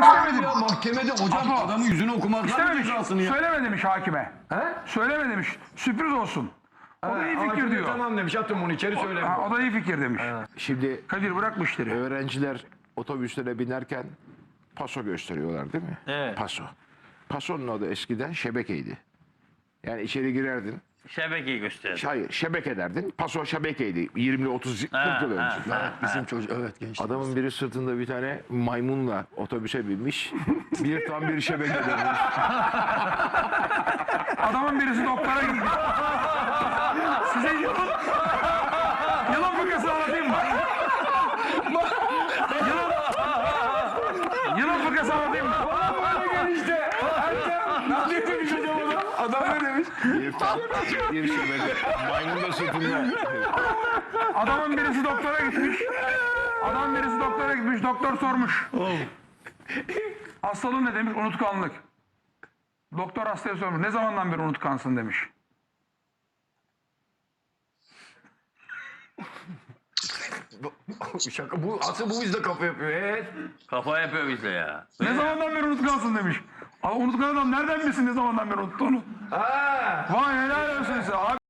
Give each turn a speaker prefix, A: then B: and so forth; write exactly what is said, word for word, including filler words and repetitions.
A: istemedim.
B: Ya mahkemede hocam
A: Apo.
B: adamın yüzünü okumaktan
A: İstememiş.
B: cezasını ya.
A: Söyleme demiş hakime.
B: He?
A: Söyleme demiş. Sürpriz olsun. O da iyi fikir
B: Hakim de
A: diyor.
B: Tamam demiş atın bunu içeri söyleme.
A: Ha, o da iyi fikir demiş.
C: Şimdi
A: Kadir bırak bu işleri.
C: öğrenciler otobüslere binerken paso gösteriyorlar değil mi?
D: Evet.
C: Paso. Pasonun adı eskiden şebekeydi. Yani içeri girerdin.
D: Şebekeyi gösterir.
C: Hayır, şebeke derdin. Paso şebekeydi. yirmi otuz kırk yıl önce.
D: ha.
B: Bizim çocuk evet genç.
C: Adamın biri sırtında bir tane maymunla otobüse binmiş. Bir tam bir şebeke dönmüş.
A: Adamın birisi doktora gitmiş. Size yılın... Yılın fıkrasını anlatayım mı? Yılın... Yılın fıkrasını anlatayım mı?
B: Adam ne demiş?
C: Bir tam bir şebeke. Maymun da sırtında.
A: Adamın birisi doktora gitmiş. Adam birisi doktora gitmiş. Doktor sormuş. Hastalığın ne demiş? Unutkanlık. Doktor hastaya sormuş. Ne zamandan beri unutkansın demiş.
B: Şaka bu asıl bu bizde kafa yapıyor. Evet.
D: Kafa yapıyor bize ya.
A: Ne zamandan beri unutkansın demiş. Ama unutkan adam nereden bilsin ne zamandan beri unuttuğunu?
B: Ha.
A: Vay helal olsun size. Abi